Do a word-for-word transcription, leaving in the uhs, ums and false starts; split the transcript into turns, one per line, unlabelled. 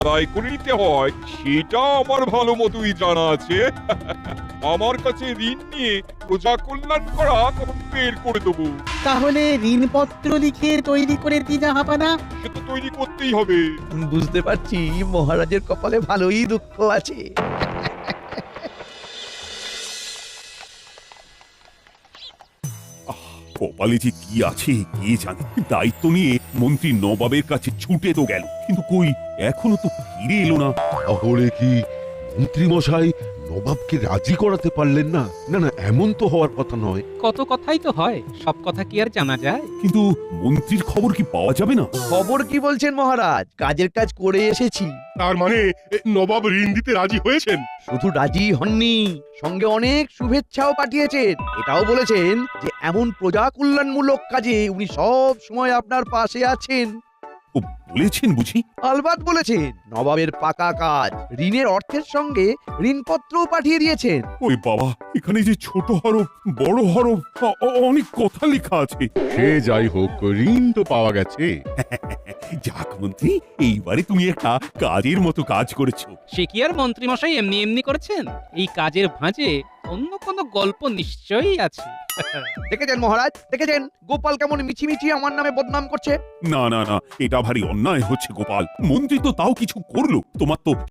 আদায় করে নিতে হয় সেটা আমার ভালো মতোই জানা আছে। আমার কাছে ঋণ নিয়ে প্রজা কল্যাণ করা তখন বের করে দেবো।
তাহলে ঋণপত্র লিখে তৈরি করে দি জাহাপানা।
সে তো তৈরি করতেই হবে।
বুঝতে পারছি মহারাজের কপালে ভালোই দুঃখ আছে।
কপালে যে কি আছে কে জানে। দায়িত্ব নিয়ে মন্ত্রী নবাবের কাছে ছুটে তো গেল, কিন্তু কই এখনো তো ফিরে এলো না।
তাহলে কি মন্ত্রী মশাই নবাবকে রাজি করাতে পারলেন না? না না, এমন তো হওয়ার কথা নয়।
কত কথাই তো হয়, সব কথা কি আর জানা যায়?
কিন্তু মন্ত্রীর খবর কি পাওয়া যাবে না?
খবর কি বলছেন মহারাজ? কাজের কাজ করে এসেছি।
তার মানে এ, নবাব ঋণ দিতে রাজি হয়েছেন?
শুধু রাজি হননি, সঙ্গে অনেক শুভেচ্ছাও পাঠিয়েছেন। এটাও বলেছেন যে এমন প্রজা কল্যাণমূলক কাজে উনি সব সময় আপনার পাশে আছেন।
ও বলেছেন বুঝি?
আলবাত বলেছেন। নবাবের পাকা কাজ, ঋণের অর্থের সঙ্গে ঋণপত্রও পাঠিয়ে দিয়েছেন।
ওই বাবা, এখানে যে ছোট হরফ বড় হরফ অ- অ- অনেক কথা লেখা আছে।
সে যাই হোক, ঋণ তো পাওয়া গেছে।
যাক মন্ত্রী, এইবারে তুমি একটা কাজের মতো কাজ করেছো।
সে কি আর মন্ত্রীমশাই এমনি এমনি করেছেন? এই কাজের ভাঁজে অন্য কোনো গল্প নিশ্চয়ই আছে।
দেখেছেন মহারাজ, দেখেছেন গোপাল কেমন মিছিমিছি আমার নামে বদনাম করছে।
না না না, এটা ভারী অন্যায় হচ্ছে গোপাল। মন্ত্রী তো তাও কিছু করলো, তোমার তো